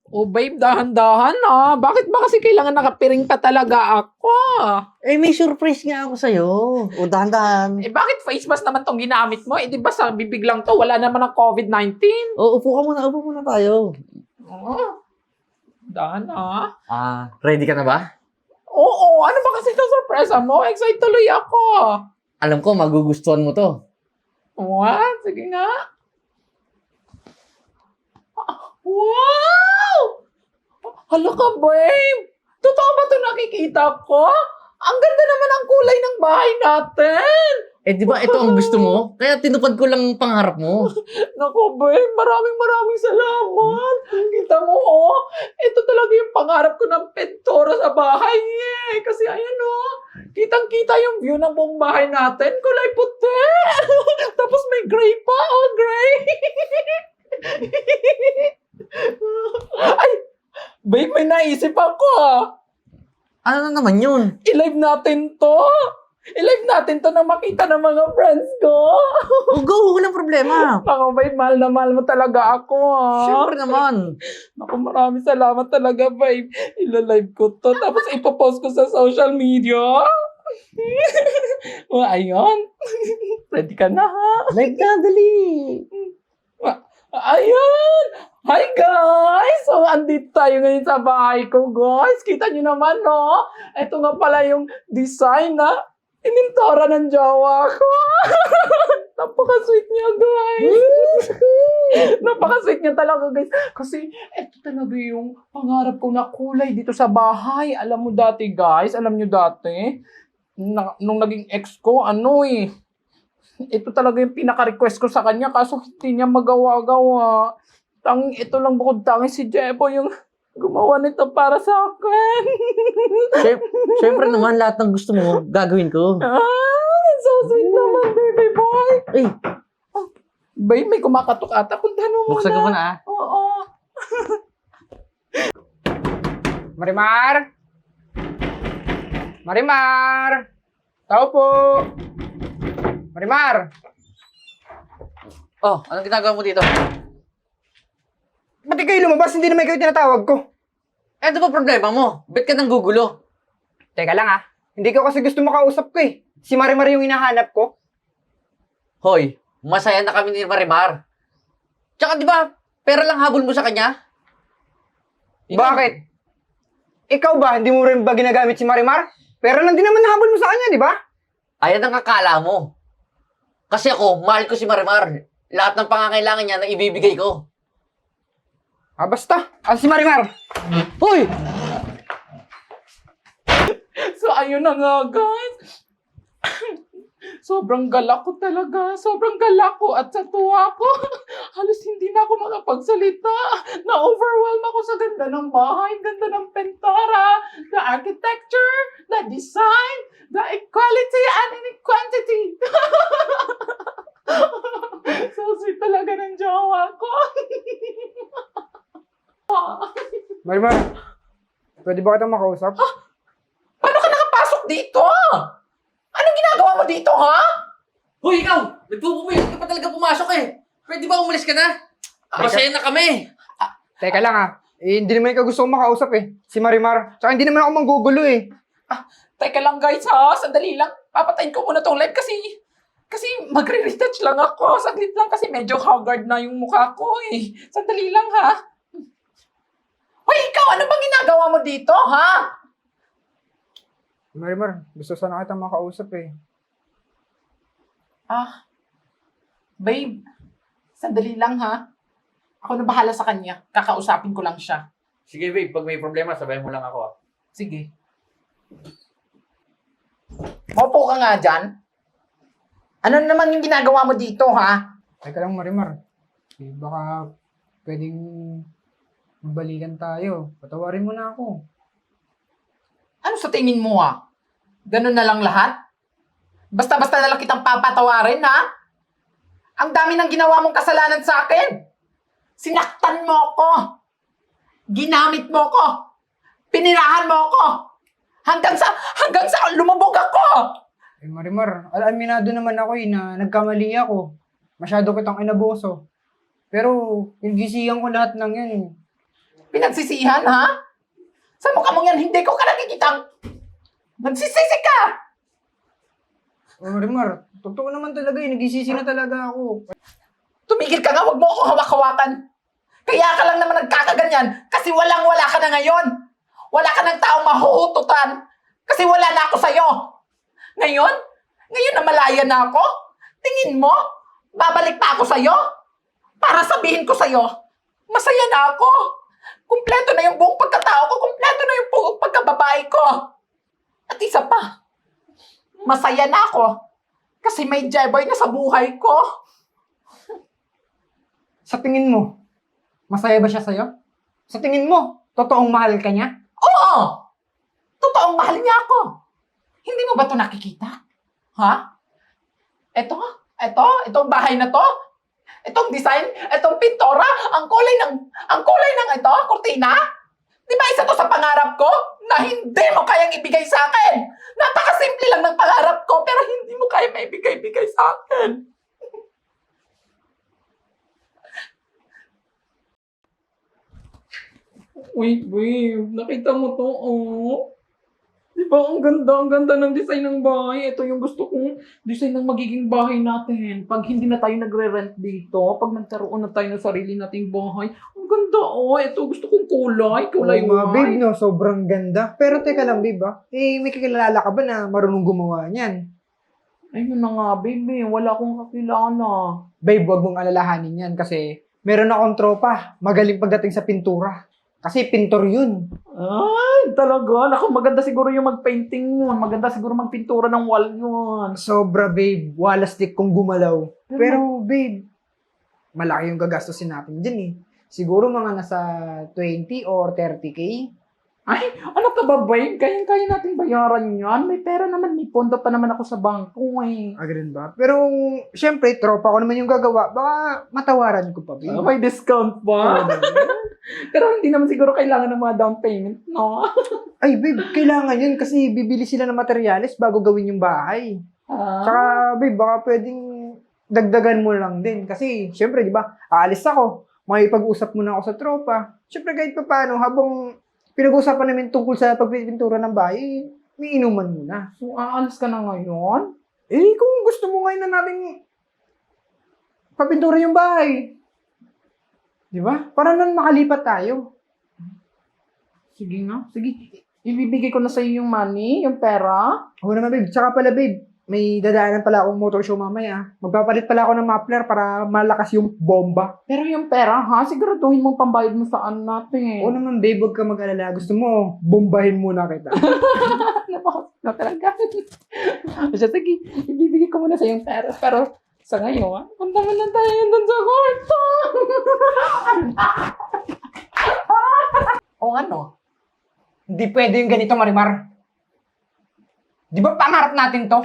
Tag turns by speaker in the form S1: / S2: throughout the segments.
S1: Oh, babe, dahan-dahan ah. Bakit ba kasi kailangan nakapiring pa talaga ako?
S2: Eh, may surprise nga ako sa'yo. O, dahan-dahan.
S1: Eh, bakit face mask naman tong ginamit mo? Eh, di ba sa bibig lang to? Wala naman ng COVID-19.
S2: O, upo muna tayo.
S1: Oh, dahan ah.
S2: Ready ka na ba?
S1: Oo, ano ba kasi itong sorpresa mo? Excited tuloy ako.
S2: Alam ko, magugustuhan mo to.
S1: What? Sige nga. Wow! Hala ka, babe! Totoo ba ito nakikita ko? Ang ganda naman ang kulay ng bahay natin!
S2: Eh, di ba ito ang gusto mo? Kaya tinupad ko lang ang pangarap mo.
S1: Naku, babe, maraming salamat. Kita mo, oh, ito talaga yung pangarap ko ng pintura sa bahay, eh. Kasi ayan, oh, kitang-kita yung view ng buong bahay natin. Kulay puti. Tapos may gray pa, oh, gray. Ay, babe, may naisip ako, ah.
S2: Ano na naman yun?
S1: I-live natin to. I-live natin to na makita ng mga friends ko.
S2: O, go! Walang problema.
S1: Ako, babe, mahal na mahal mo talaga ako, ah.
S2: Siyempre naman.
S1: Naku, maraming salamat talaga, babe. Ila-live ko to. Tapos ipopost ko sa social media. O, ayun. Ready ka na, ha?
S2: Like na, dali.
S1: Ayun! Hi, guys! So, andito tayo ngayon sa bahay ko, guys. Kita nyo naman, no? Ito nga pala yung design na inintora ng jowa ko. Napaka-sweet niya, guys. Napaka-sweet niya talaga, guys. Kasi, ito talaga yung pangarap ko na kulay dito sa bahay. Alam mo dati, guys, alam nyo dati, nung naging ex ko, ito talaga yung pinaka-request ko sa kanya kaso hindi niya magawa-gawa. Ito lang bukod tangi si Jebo yung gumawa nito para sa akin.
S2: Siyempre naman, lahat ng gusto mo, gagawin ko.
S1: So sweet naman, baby boy.
S2: Eh,
S1: Babe, may kumakatok ata. Puntahan mo muna.
S2: buksan ko muna, ah.
S1: Oo. Marimar? Marimar? Tao po. Marimar?
S2: Oh, anong ginagawa mo dito?
S3: Ba't di kayo lumabas? Hindi naman kayo tinatawag ko.
S2: Eh, ano ba problema mo? Ba't ka nang gugulo?
S3: Teka lang ah. Hindi ko kasi gusto makausap ko eh. Si Marimar yung hinahanap ko.
S2: Hoy, masaya na kami ni Marimar. Tsaka di ba, pera lang habol mo sa kanya?
S3: Bakit? Ikaw ba, hindi mo rin ba ginagamit si Marimar? Pero lang din naman nahabol mo sa kanya, di ba?
S2: Ayan ang akala mo. Kasi ako, mahal ko si Marimar. Lahat ng pangangailangan niya na ibibigay ko.
S3: Basta. Si Marimar.
S2: Hoy!
S1: So, ayun na nga, guys. Sobrang galak ko talaga. Sobrang galak ko at sa tuwa ko. Halos hindi na ako makapagsalita. Na-overwhelm ako sa ganda ng bahay, ganda ng pentora, the architecture, the design, the equality and inequality. So sweet talaga ng jowa ko.
S3: Marimar, pwede ba kitang makausap?
S1: Paano ka nakapasok dito? Anong ginagawa mo dito, ha?
S2: Hoy, ikaw! Nagpupumuyot ka pa talaga pumasok eh. Pwede ba umalis ka na? Masaya na kami.
S3: Teka lang ah. Hindi naman ikaw gusto kong makausap eh. Si Marimar. Tsaka hindi naman ako manggugulo eh.
S1: Teka lang, guys, ha? Sandali lang. Papatayin ko muna tong live kasi magre-retouch lang ako. Saglit lang kasi medyo haggard na yung mukha ko, eh. Sandali lang, ha? Hoy, ikaw! Ano bang ginagawa mo dito, ha?
S3: Marimar, gusto sana kitang makausap eh.
S1: Babe, sandali lang, ha? Ako na bahala sa kanya. Kakausapin ko lang siya.
S2: Sige babe, pag may problema, sabayan mo lang ako.
S1: Sige. Maupo ka nga dyan. Ano naman yung ginagawa mo dito, ha?
S3: Teka lang Marimar. Baka pwedeng mabalikan tayo. Patawarin mo na ako.
S1: Ano sa tingin mo, ha? Ganun na lang lahat? Basta-basta na lang kitang papatawarin, ha? Ang dami ng ginawa mong kasalanan sa akin. Sinaktan mo ako. Ginamit mo ako. Pinirahan mo ako. Hanggang sa lumubog ako.
S3: Eh Marimar, aminado naman ako eh na nagkamali ako. Masyado kitang inabuso. Pero, pinagisihan ko lahat ng yan.
S1: Pinagsisihan, ha? Sa mukha mong yan, hindi ko ka nakikitang nagsisisi ka!
S3: Marimar, totoo naman talaga eh. Nagisisi na talaga ako.
S1: Tumigil ka nga, huwag mo ako hawak-hawakan. Kaya ka lang naman nagkakaganyan kasi walang-wala ka na ngayon. Wala ka ng taong mahuhututan kasi wala na ako sa'yo. Ngayon? Ngayon na malaya na ako? Tingin mo? Babalik pa ako sa'yo? Para sabihin ko sa'yo, masaya na ako. Kumpleto na yung buong pagkatao ko. Kumpleto na yung buong pagkababae ko. At isa pa, masaya na ako kasi may Jeboy na sa buhay ko.
S3: Sa tingin mo, masaya ba siya sa'yo? Sa tingin mo, totoong mahal ka niya?
S1: Oo! Totoong mahal niya ako. Hindi mo ba ito nakikita? Ha? Itong bahay na to, itong design, itong pintora, ang kulay ng ito, kurtina. Di ba isa to sa pangarap ko na hindi mo kayang ibigay sa akin? Napakasimple lang ng pangarap ko pero hindi mo kaya maibigay-bigay sa akin. Wait, babe. Nakita mo to, oh. Di ba, ang ganda ng design ng bahay. Ito yung gusto kong design ng magiging bahay natin. Pag hindi na tayo nagre-rent dito, pag nagkaroon na tayo ng sarili nating bahay, ang ganda, oh. Ito, gusto kong kulay
S3: Oo nga, babe,
S1: white.
S3: no? Sobrang ganda. Pero teka lang, babe, ah. Eh, may kakilala ka ba na marunong gumawa niyan?
S1: Ayun na nga, baby. Wala akong kakilala.
S3: Babe, wag mong alalahanin yan kasi meron akong tropa. Magaling pagdating sa pintura. Kasi pintor yun.
S1: Ay, talaga. Naku, maganda siguro yung mag-painting yun. Maganda siguro magpintura ng wall yun.
S3: Sobra, babe. Wala stick kung gumalaw. Pero, babe, malaki yung gagastusin natin dyan eh. Siguro mga nasa 20 or 30K.
S1: Ay, ano ka ba, babe? Kayang-kaya natin bayaran yan. May pera naman, may pondo pa naman ako sa bangko eh.
S3: Ganun ba? Pero, syempre, tropa ko naman yung gagawa. Baka matawaran ko pa, babe.
S1: May discount pa.
S3: Oo,
S1: Pero hindi naman siguro kailangan ng mga down payment, no?
S3: Ay, babe, kailangan yun kasi bibili sila ng materyales bago gawin yung bahay.
S1: Ah,
S3: Tsaka, babe, baka pwedeng dagdagan mo lang din. Kasi, syempre, di ba, aalis ako. Makipag-usap muna ako sa tropa. Syempre, kahit pa paano, habang pinag-usapan namin tungkol sa pagpipintura ng bahay, may inuman muna.
S1: so aalis ka na ngayon?
S3: Eh, kung gusto mo ngayon na natin papintura yung bahay. Di ba? Para nang makalipat tayo.
S1: Sige nga, sige. Ibibigay ko na sa iyo yung money, yung pera.
S3: Oo naman, babe. Tsaka pala, babe, may dadaanan pala akong motor show mamaya. Magpapalit pala ako ng muffler para malakas yung bomba.
S1: Pero yung pera, ha? Siguraduhin mong pambayad mo saan natin.
S3: Oo naman, babe, huwag ka mag-alala. Gusto mo, bombahin muna kita.
S1: Napakas na talaga. Siya, sige, ibibigay ko muna sa yung pera. Pero sa ngayon, punta mo na tayo doon sa kwarto. O ano?
S3: Hindi pwede yung ganito, Marimar. Di ba pangarap natin to?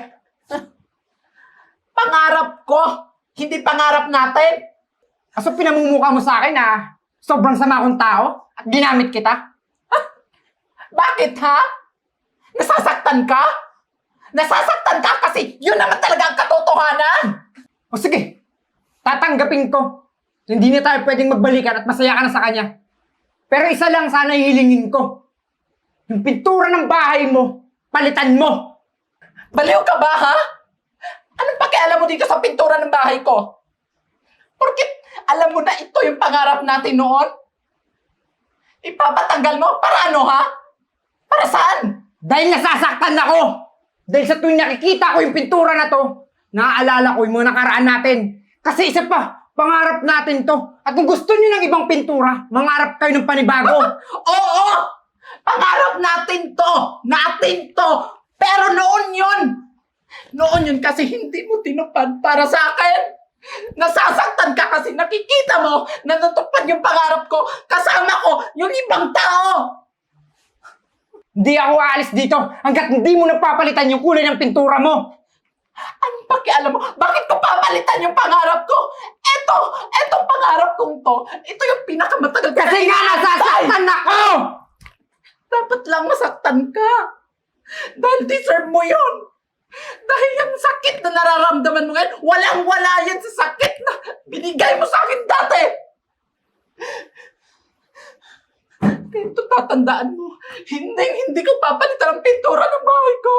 S1: Pangarap ko, hindi pangarap natin.
S3: Kaso pinamumukha mo sa akin na sobrang sama akong tao at ginamit kita.
S1: Bakit, ha? Nasasaktan ka? Nasasaktan ka kasi yun naman talaga ang katotohanan.
S3: O sige, tatanggapin ko. Hindi na tayo pwedeng magbalikan at masaya ka na sa kanya. Pero isa lang sana hihilingin ko. Yung pintura ng bahay mo, palitan mo.
S1: Baliw ka ba, ha? Anong pakialam mo dito sa pintura ng bahay ko? Porkit alam mo na ito yung pangarap natin noon? Ipapatanggal mo? Para ano, ha? Para saan?
S3: Dahil nasasaktan ako. Dahil sa tuwing nakikita ko yung pintura na to, naaalala ko yung mga nakaraan natin. Kasi isa pa, pangarap natin to. At kung gusto niyo ng ibang pintura, mangarap kayo ng panibago.
S1: Oo! Pangarap natin to! Natin to! Pero noon yun! Noon yun kasi hindi mo tinupad para sa akin! Nasasaktan ka kasi nakikita mo na natupad yung pangarap ko kasama ko yung ibang tao!
S3: Hindi ako aalis dito hanggat hindi mo napapalitan yung kulay ng pintura mo.
S1: Anong pakialam mo? Bakit ko papalitan yung pangarap ko? Etong pangarap kong to, ito yung pinakamatagal ko
S3: Kasi nga nasasaktan ako!
S1: Dapat lang masaktan ka. Dahil deserve mo yun. Dahil yung sakit na nararamdaman mo ngayon, walang-wala yan sa sakit na binigay mo sa akin dati. Ito, tatandaan mo. Hindi ko papalitan ang pintura ng bahay ko.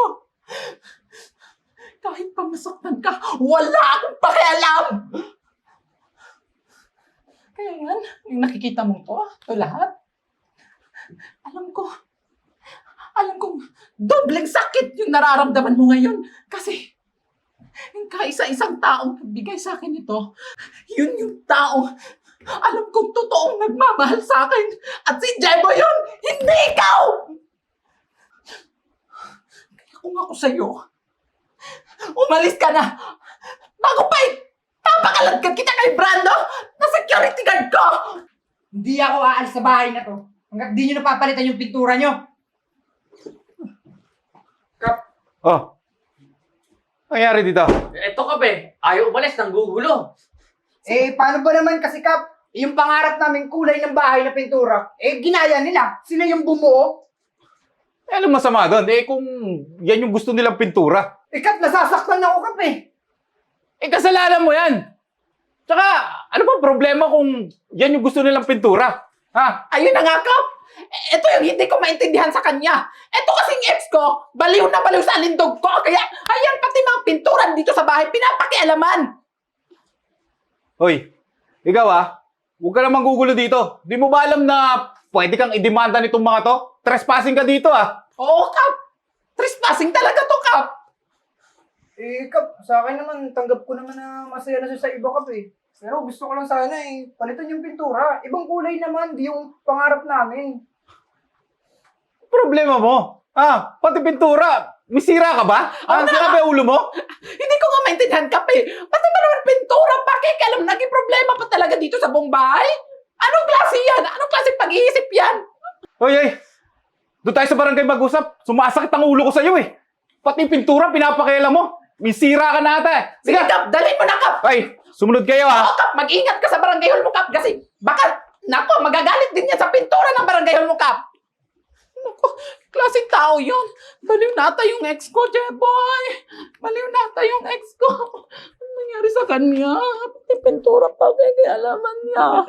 S1: Kahit pa masaktan ka, wala akong pakialam. Kaya yan, yung nakikita mo to lahat, alam kong dobleng sakit yung nararamdaman mo ngayon. Kasi, yung kaisa-isang taong nagbigay sa akin ito, yun yung taong alam kong totoong nagmamahal sa akin. At si Jebo yun, hindi ikaw! Kaya kung ako sa'yo, umalis ka na. Bago pa papakalagkat kita kay Brando na security guard ko!
S3: Hindi ako aalis sa bahay na to. Hanggat di nyo napapalitan yung pintura nyo.
S4: Oh. Nangyari dito?
S2: Eto ka, be. Ayaw umalis, nang gugulo.
S3: Paano ba naman kasi, Kap? Yung pangarap namin kulay ng bahay na pintura, ginaya nila. Sila yung bumuo.
S4: Anong masama doon? Kung yan yung gusto nilang pintura.
S3: Kap, nasasaktan ako, Kap
S4: Kasalanan mo yan. Tsaka, ano ba problema kung yan yung gusto nilang pintura? Ha?
S1: Ayun na nga, Kap! Ito yung hindi ko maintindihan sa kanya. Ito kasing ex ko, baliw na baliw sa alindog ko. Kaya, ayan, pati mga pinturan dito sa bahay, pinapakialaman.
S4: Hoy, ikaw huwag ka naman gugulo dito. Di mo ba alam na pwede kang idemanda nitong mga to? Trespassing ka dito
S1: Oo, Kap. Trespassing talaga to, Kap.
S3: Kap, sa akin naman, tanggap ko naman na masaya na siya sa iba, Kap Pero gusto ko lang sana palitan yung pintura. Ibang kulay naman, di yung pangarap namin.
S4: Problema mo? Pati pintura. Misira ka ba? Sira ba yung ulo mo?
S1: Hindi ko nga maintindihan, Kap Pati ba naman pintura? Pakikialam, naging problema pa talaga dito sa buong bahay? Anong klase yan? Anong klase pag-iisip yan?
S4: Hoy. Doon tayo sa barangay mag-usap. Sumasakit ang ulo ko sa'yo Pati yung pintura, pinapakialam mo. Misira ka na ata
S1: Sige, Kap, dalhin mo na, Kap.
S4: Ay, sumunod kayo
S1: Oo, Kap, mag-ingat ka sa barangay hall mo, Kap. Kasi baka, nako, magagalit din yan sa pintura ng barangay hall mo, Kap. Nako, klaseng tao yun. Baliw nata yung ex ko, Jeboy. Baliw nata yung ex ko. Ano nangyari sa kanya? Pati pintura pa, kaya alaman niya.